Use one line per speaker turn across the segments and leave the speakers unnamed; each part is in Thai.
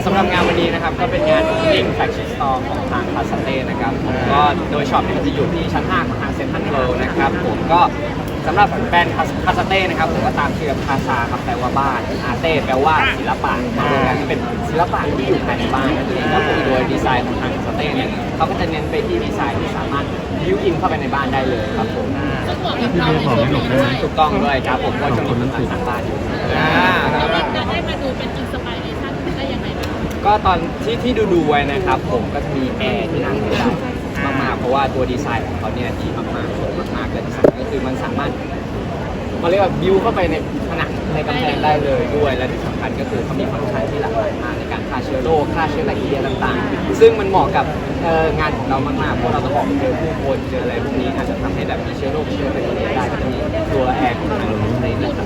สำหรับงานวันนี้นะครับก็เป็นงาน Opening Flagship Store ของทางคาสเต้นะครับผมก็โดยช็อปเนี่ยจะอยู่ที่ชั้น 5 ของทางเซ็นทรัลเวิลด์นะครับผมก็สำหรับแบรนด์คาสเต้นะครับผมก็ตามชื่อคาซาครับแปลว่าบ้านอาเต้แปลว่าศิลปะมารวมกันเป็นศิลปะที่อยู่ภายในบ้านนั่นเองครับผมโดยดีไซน์ของทางคาสเต้เนี่ยเขาก็จะเน้นไปที่ดีไซน์ที่สามารถบิวอินเข้าไปในบ้านได้เลยครับผมถูกต้องด้วยครับผมก็จะมีต่างๆบ้านอยู่
จะได้มาดูเป็นอินสไปเรชั่นได้ยังไงบ้าง
ก็ตอนที่ดูไว้นะครับผมก็จะมีแอร์ที่นั่งได้มากๆเพราะว่าตัวดีไซน์ของเขาเนี่ยดีมากๆสวยมากๆและที่สำคัญก็คือมันสามารถมาเรียกว่าบิวเข้าไปในผนังในกำแพงได้เลยด้วยและที่สำคัญก็คือเขามีฟังก์ชันที่หลากหลายมากในการฆ่าเชื้อโรคฆ่าเชื้อแบคทีเรียต่างๆซึ่งมันเหมาะกับงานของเรามากๆเพราะเราต้องออกไปเจอผู้คนเจออะไรพวกนี้อาจจะทำให้แบบมีเชื้อโรคเชื้อแบคทีเรียได้ก็จะมีตัวแอร์ของทางในนะครับ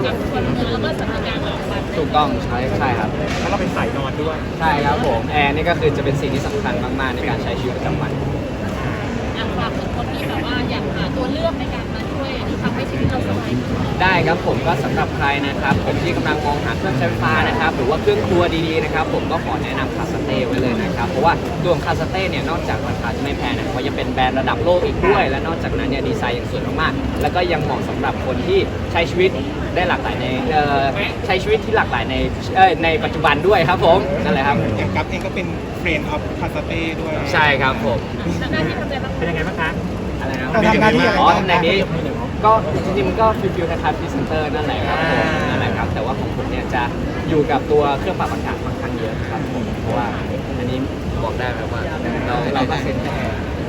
ถูกต้องใช่ครับ
แล้วเราเป็นสายนอนด้วย
ใช่ครับผมแอร์นี่ก็คือจะเป็นสิ่งที่สำคัญมากๆในการใช้ชีวิตประจำวัน
ฝากถึงคนที่แบบว่าอยากหาตัวเลือกในการมาช่วยทำให้ชีวิตเราสบาย
ได้ครับผมก็สำหรับใครนะครับผมที่กำลังมองหาเครื่องใช้ไฟฟ้านะครับหรือว่าเครื่องครัวดีๆนะครับผมก็ขอแนะนำคาสเต้ไว้เลยนะครับเพราะว่าตัวของคาสเต้เนี่ยนอกจากราคาจะไม่แพงนะเขายังเป็นแบรนด์ระดับโลกอีกด้วยและนอกจากนั้นเนี่ยดีไซน์ยังสวยมากๆแล้วก็ยังเหมาะสำหรับคนที่ใช้ชีวิตได้หลากหลายในใช้ชีวิตที่หลากหลายในปัจจุบันด้วยครับผมนั่นแหละครับ
อย่างกัฟเองก็เป็นเฟรนด์ออฟคาสเต้ด้วย
ใช่ครับผม
หน้าที่ทำอะไรบ้าง
เป็นยังไงบ้างคะ
อะไรนะทำหน้าที่อ๋อตำแหน่งนี้ก็จริงๆมันก็ฟิลคล้ายๆพรีเซนเตอร์นั่นแหละครับผมนั่นแหละครับแต่ว่าของผมเนี่ยจะอยู่กับตัวเครื่องปรับอากาศค่อนข้างเยอะครับผมเพราะว่าอันนี้บอกได้ไหมว่าเราก็เซ็นแค่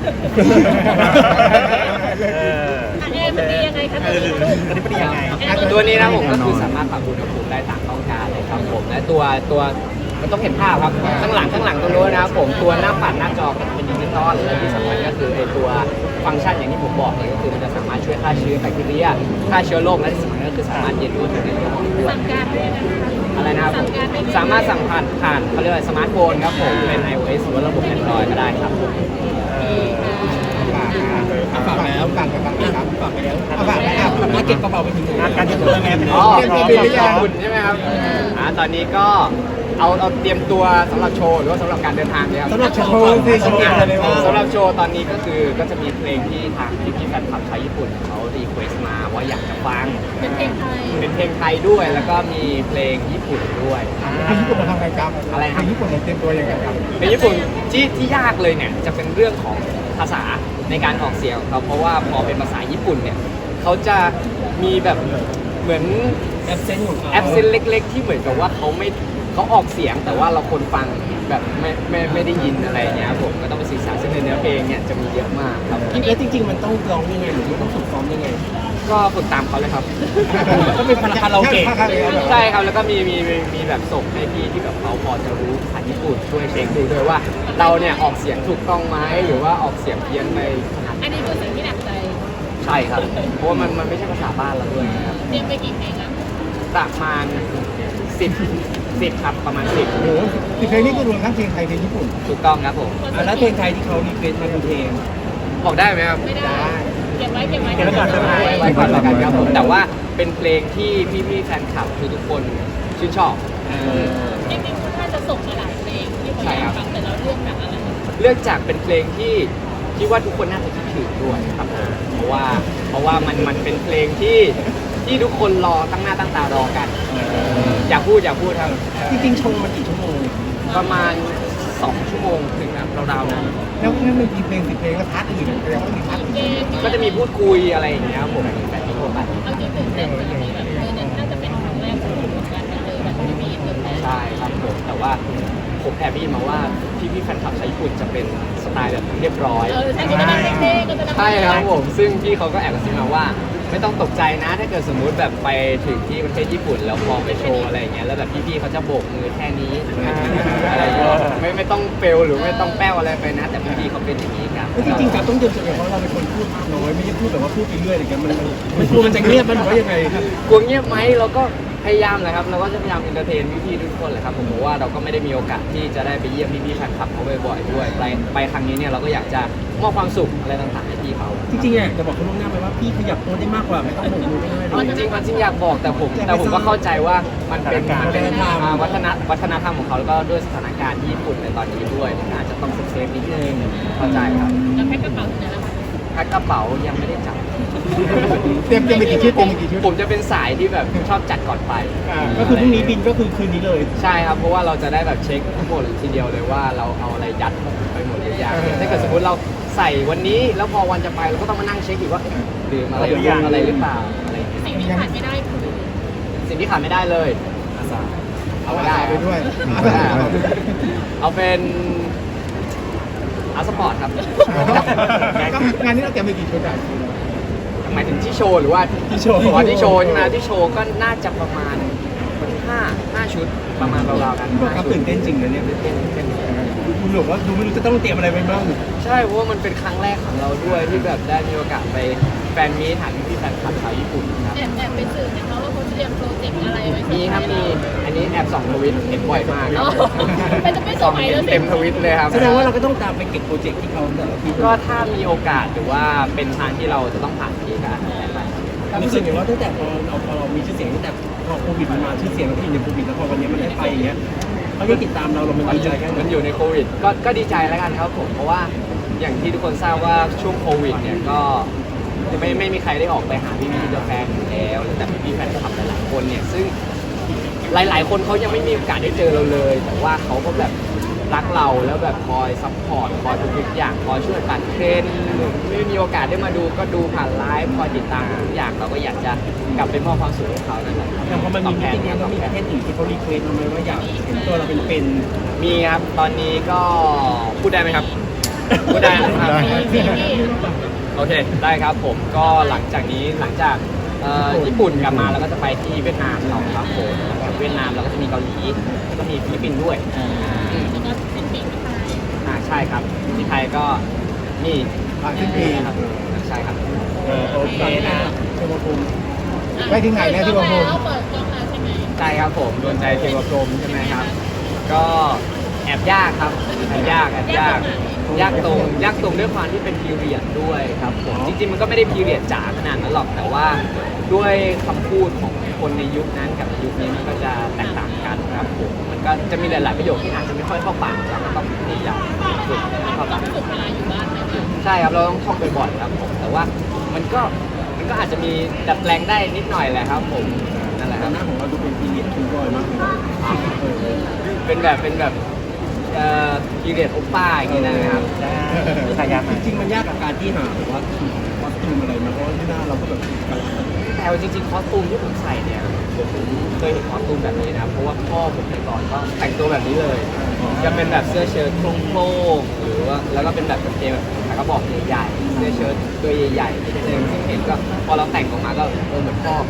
มันดียังไงคะ
ตัวนี้นะผมก็คือสามารถปรับอุณหภูมิได้ตามต้องการเลยครับผมและตัวมันต้องเห็นภาพครับข้างหลังตรงโน้นนะครับผมตัวหน้าปัดหน้าจอก็จะเป็นดิจิตอลและที่สำคัญก็คือไอตัวฟังก์ชันอย่างที่ผมบอกเนี่ยก็คือมันจะสามารถช่วยฆ่าเชื้อแบคทีเรียฆ่าเชื้อโรคและที่สำคัญก็คือสามารถเย็นรู้ถึงในตัวด้วยอะไรนะครับสามารถสั่งผ่านเขาเรียกว่าสมาร์ทโฟนครับผมเป็น iOS หรือว่าระบบ Android ก็ได้ครับ
ฝากแล้วฝากไปครับฝากไปแล้วฝากแล้วมาเก็บกระเป๋าไปถึงการจะเจอไง
อ๋อขอบคุณใช่ไหมครับตอนนี้ก็เอาเตรียมตัวสำหรับโชว์หรือว่าสำหรับการเดินทางเนี่ยครับ
สำหรับโชว์ที่โชว์
สำหรับโชว์ตอนนี้ก็คือก็จะมีเพลงที่ทางพี่แฟนคลับชาวญี่ปุ่นเขารีเควสมาว่าอยากจะฟัง
เป็นเพลงไทย
ด้วยแล้วก็มีเพลงญี่ปุ่นด้วย
เพลงญี่ปุ่นมาทำไงครับ
อะไรครับ
เพลงญี่ปุ่นเราเตรียมตัวยังไงครับ
เพลงญี่ปุ่นที่ยากเลยเนี่ยจะเป็นเรื่องของภาษาในการออกเสียงของเขาเพราะว่าพอเป็นภาษาญี่ปุ่นเนี่ยเขาจะมีแบบเหมือน
แอปเซนต์ของเขา
แอปเซนต์เล็กๆที่เหมือนกับว่าเขาออกเสียงแต่ว่าเราคนฟังแบบไม่ได้ยินอะไรเงี้ยผมก็ต้องไปศึกษาซึ่งในเนื้อเพลงเนี่ยจะมีเยอะมากครับ
แล้วจริงๆมันต้องร้องยังไงหรือมันต้องฝึกซ้อมยังไง
ก็ฝึกตามเขาเลยครับ
ก็เป็นคาราโอเกะ
ใช่ครับแล้วก็มีแบบส่งให้พี่ที่แบบเขาพอจะรู้ภาษาญี่ปุ่นช่วยเช็คดูด้วยว่าเราเนี่ยออกเสียงถูกต้องไหมหรือว่าออกเสียงเพี้ยนไป
อันนี้คือสิ่งที่หนักใจ
ใช่ครับเพราะว่ามันไม่ใช่ภาษาบ้านเราด้วยนะครับ
เตรียมไปกี่เพลงครับ
ประมาณ10ครับประมาณ10
โอ้โห10เพลงนี่คือรวมทั้งเพลงไทยเพลงญี่ปุ่น
ถูกต้องครับผม
แล้วเพลงไทยที่เขารีเควสมาเป็นเพลง
บอกได้ไหมครับ
ไม่ได้เก็บไว้
ไว้ก่อนแล้วกันครับผมแต่ว่าเป็นเพลงที่พี่แฟนคลับทุกคนชื่นชอบ
จริงๆคุณน่าจะส่งมาหลายเพลงที่ผมอยากฟังแต่เราเลือกแบบอะไร
เลือกจากเป็นเพลงที่ว่าทุกคนน่าจะคิดถึงด้วยครับเพราะว่ามันเป็นเพลงที่ทุกคนรอตั้งหน้าตั้งตารอกันอยากพูดครับ
จริงๆโชว์มันกี่ชั่วโมง
ประมาณ2 ชั่วโมงถึงนะราวๆนั้น
แล้วนั่นมันกี่เพลง10เพลงแล้วพาร์ทอื่นแล้วมีพาร์ท
ก็จะมีพูดคุยอะไรอย่างเงี้ยผมแบบนี้ทั่วไป
เอาจริงๆแต่แบบนี้แบบน่าจะเป็นครั้งแรกของผมเหมือนกันเลยแบบไม่มีเติมแน่
ใช่ครับผมแต่ว่าผมแอบได้ยินมาว่าพี่แฟนคลับชาวญี่ปุ่นจะเป็นสไตล์แบบเรียบร้อยใช่ครับผมซึ่งพี่เขาก็แอบกระซิบมาว่าไม่ต้องตกใจนะถ้าเกิดสมมุติแบบไปถึงที่ประเทศญี่ปุ่นแล้วพอไปโชว์อะไรอย่างเงี้ยแล้วแบบพี่ๆเขาจะโบกมือแค่นี้อะไรอย่างเงี้ยไม่ต้องเฟลหรือไม่ต้องแป้วอะไรไปนะแต่พี่ๆเขาเป็นอย่างนี้ครับ
จริงๆครับต้องเตรียมตัวเพราะเราเป็นคนพูดน้อยไม่ใช่พูดแบบว่าพูดไปเรื่อยอะไรเงี้ยมันกลัวมันจะเงียบมันหรือว่ายังไงครับ
กลัวเงียบไหมเราก็พยายามเลยครับเราก็จะพยายามเอนเตอร์เทนพี่ๆทุกคนเลยครับผมว่าเราก็ไม่ได้มีโอกาสที่จะได้ไปเยี่ยมพี่ๆแฟนคลับเขาบ่อยๆด้วยไปครั้งนี้เนี่ยเราก็อยากจะมอบความสุขอะไรต่างๆให้พี่เขา
จริงๆอ่ะจะบอกคุณล่วงหน้าไปว่าพี่ขยับตัวได้มากกว่าไม่ต้องโบกมือก็ได้
จริงอยากบอกแต่ผมก็เข้าใจว่ามันเป็นวัฒนธรรมของเขาแล้วก็ด้วยสถานการณ์ที่ญี่ปุ่นในตอนนี้ด้วยมันอาจจะต้องเซฟนิดนึงเข้าใจครับ
แล้วแพ็คกระเป๋าเนี่ยนะคะ
แพ็คกระเป๋ายังไม่ได้จับ
เตรียมไปกี่ชุดเตรียมไปกี่ชุด
ผมจะเป็นสายที่แบบชอบจัดก่อนไป
ก็คือพรุ่งนี้บินก็คือคืนนี้เลย
ใช่ครับเพราะว่าเราจะได้แบบเช็คทั้งหมดทีเดียวเลยว่าเราเอาอะไรยัดไปหมดหรือยังถ้าเกิดสมมติเราใส่วันนี้แล้วพอวันจะไปเราก็ต้องมานั่งเช็คอีกว่าลืมอะไรหรืออะไรหรือเปล่าอะไรอย่างเงี้ย
สิ่งที่ขาดไม่ได้คือ
สิ่งที่ขาดไม่ได้เลยอาสาเอาไม่ได้
ไปด้วย
เอาเป็นอาสปอร์ตครับ
งานนี้เราเตรียมไปกี่ชุดอ่ะ
หมายถึงที่โชว์หรือว่า
ที่โชว์
อ๋อที่โชว์ใช่ไหมที่โชว์ก็น่าจะประมาณ5ชุดประมาณราวๆกัน
ครับ
5ชุด
ตื่นเต้นจริงนะเนี่ย
เต้น
คุณหนูว่าดูไม่รู้จะต้องเตรียมอะไรไปบ้าง
ใช่เพราะว่ามันเป็นครั้งแรกของเราด้วยที่แบบได้มีโอกาสไปแฟนมีตหาพี่ๆแฟนคลับชาวญี่ปุ่นครับ
แอบไปสื่อนะคะว่าเขาเตรียมโปรเจกต์อะไรไว้
มีครับมีอันนี้แอบส่องทวิตเห็นบ่อยมาก
มันจะไม่ส
ส่อง
มัย
เห็
แล้ว
น
สิ
เต็มทวิตเลยครับ
แสดงว่าเราก็ต้องตามไปเก็บโปรเจกต์ที่เขาแต่ละที
ก็ถ้ามีโอกาสหรือว่าเป็นทางที่เราจะต้องผ่านพี่ก็อาจจะได้ไป
รู้สึกอย่างว่าตั้งแต่พอเรามีชื่อเสียงตั้งแต่พอโควิดมันมาชื่อเสียงเราก็อยู่ในโควิดแล้วพอวันนี้มันได้ไปอย่างเงี้ยเขายังติดตามเรามันดีใจแค่ไหน
มันอยู่ในโควิดก็ดีใจแล้วกันครับผมเพราะว่าอย่างที่ทุกคนทราบว่าช่วงโควิดเนี่ยก็ไม่มีใครได้ออกไปหาพี่ๆแฟนอยู่แล้วแต่พี่ๆแฟนคลับหลายๆคนเนี่ยซึ่งหลายๆคนเขายังไม่มีโอกาสได้เจอเราเลย แต่ว่าเขาก็แบบรักเราแล้วแบบคอยซัพพอร์ตคอยทุกๆอย่างคอยช่วยปั่นเทรนด์ไม่มีโอกาสได้มาดูก็ดูผ่านไลฟ์คอยติดตามทุกอย่างเราก็อยากจะกลับไปมอบความสุขให้เขานั่นแหละ
อย่างพอมัน
ต
มี
อบแท
มิ
น
ติ
เนี่ย
แล้
ต
ว
อบ
มี
แท
ประ
น
เทศอื่นที่เขารีเควสเราไหมว่าอยากเห็นตัวเราเป็น
มีครับ ตอนนี้ก็พูดได้ไหมครับ พูดได้นะครับ โอเค ได้ครับผม ก็หลังจากญี่ปุ่นกลับมาเราก็จะไปที่เวียดนามต่อครับผมหลังจากเวียดนามเราก็จะมีเกาหลีแล้วก็มีฟิลิปปินส์ด้วย
แล้วก็เป็นปีกที่ไทย
ใช่ครับ ที่ไทยก็นี่
สิ้นปี
ครับใช่ครับ
โอเคนะเทวภูมิ
ไปถึงไหนแล้วที่ว่าผมเปิดกล้องแล้วใช่ไหม
ใช่ครับผมโดนใจเทวกรมใช่ไหมครับ ก็แอบยากครับแอบยากยากตรงด้วยความที่เป็นพีเรียดด้วยครับผมจริงๆมันก็ไม่ได้พีเรียดจ๋าขนาดนั้นหรอกแต่ว่าด้วยคำพูดของคนในยุคนั้นกับยุคนี้มันก็จะแตกต่างกันครับผมมันก็จะมีหลายๆประโยคที่อาจจะไม่ค่อยเข้าปากเราก็ต้องพยายามฝึกให้เข้าปาก
ฝึกเวลาอยู่บ้านไหมคะ
ใช่ครับเราต้องท่องบ่อยๆครับผมแต่ว่ามันก็อาจจะมีดัดแปลงได้นิดหน่อยแหละครับผมนั่นแหละค
แต่
รับ
หน้าของเราดูเป็นพีเรียดคิวบอยมากเลย
เป็นแบบพีเรียดโอป้าอย่างนี้นะครับ
จริงๆมันยากกับการที่หาแบบว่าคอสตูมอะไรมาเพราะว่าที่หน้าเราก็แบบกระลา
แต่ว่าจริงๆคอสตูมที่ผมใส่เนี่ยผมเคยเห็นคอสตูมแบบนี้นะเพราะว่าพ่อผมแต่ก่อนก็แต่งตัวแบบนี้เลยจะเป็นแบบเสื้อเชิ้ตโครงๆหรือว่าแล้วก็เป็นแบบกางเกงแบบกระบอกใหญ่ๆเสื้อเชิ้ตตัวใหญ่ๆนิดนึงซึ่งเห็นก็พอเราแต่งออกมาก็เหมือนพ่อ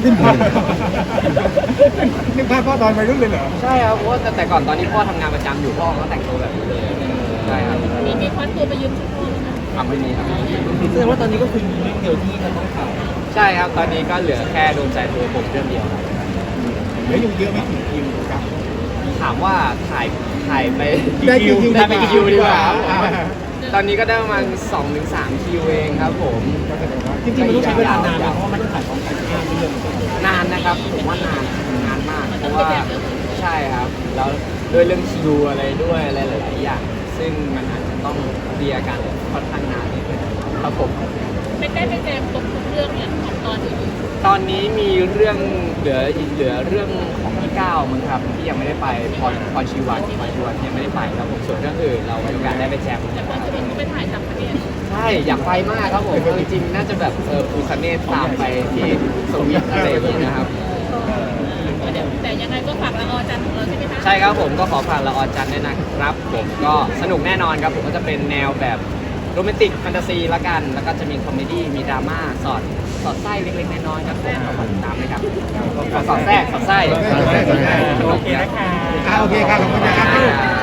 นึกภาพพ่อตอนวัยรุ่นเลยเหรอ
ใช่ครับเพราะว่าแต่ก่อนตอนนี้พ่อทำงานประจำอยู่พ่อก็แต่งตัวแบบนี้เลยใช่ครับ
มีควัดตัวไปยืมชุดพ่อไหมคะ
ไม่มีครับ
แสดงว่าตอนนี้ก็คือมีเรื่องเดียวที่จะต้องถ่าย
ใช่ครับตอนนี้ก็เหลือแค่โดนใจตัวผมเรื่องเดียวครับ
แล้วอยู่เยอะไม่ถึงคิวกับ
ถามว่าถ่ายไป
ได้กี่คิว
ได้ไปกี่คิวดีกว่าครับตอนนี้ก็ได้ประมาณ2-3 คิวเองครับผม
จริงๆมันต้องใช้เวลานานนะเพราะว่ามันต้องถ่ายพร้อมกัน5เรื่อง
นานนะครับผมว่านานมากเพราะว่าใช่ครับแล้วด้วยเรื่องคิวอะไรด้วยอะไรหลายๆอย่างซึ่งมันอาจจะต้องเคลียร์กันค่อนข้างนานนิดนึงครับผม
ไม่ได้ไปแจมครบทุกเรื่องเนี่ยของตอนอื่น
ตอนนี้มีเรื่องเหลือเรื่องของพี่ก้าวมั้งครับที่ยังไม่ได้ไปพรชีวันยังไม่ได้ไปครับผมส่วนเรื่องอื่นเรามีโอกาสได้ไปแจม
แต่พอจะเห็นก็ไปถ่ายต่างประเทศ
ใช่อยากไปมากครับผมเอาจริงๆน่าจะแบบปูคาเนตตามไปที่สวิตอะไรอย่างนี้นะครับ
เดี๋ยวแต่ยังไงก็ฝากละออจันของเราใช่ไหมคะ
ใช่ครับผมก็ขอฝากละออจันทร์ด้วยนะครับผมก็สนุกแน่นอนครับผมก็จะเป็นแนวแบบโรแมนติกแฟนตาซีละกันแล้วก็จะมีคอมเมดี้มีดราม่าสอดไส้เล็กๆน้อยๆครับผมก็ฝากติดตามนะครับสอดไส้
โอเคนะคะโอเคค่ะขอบคุณนะครับ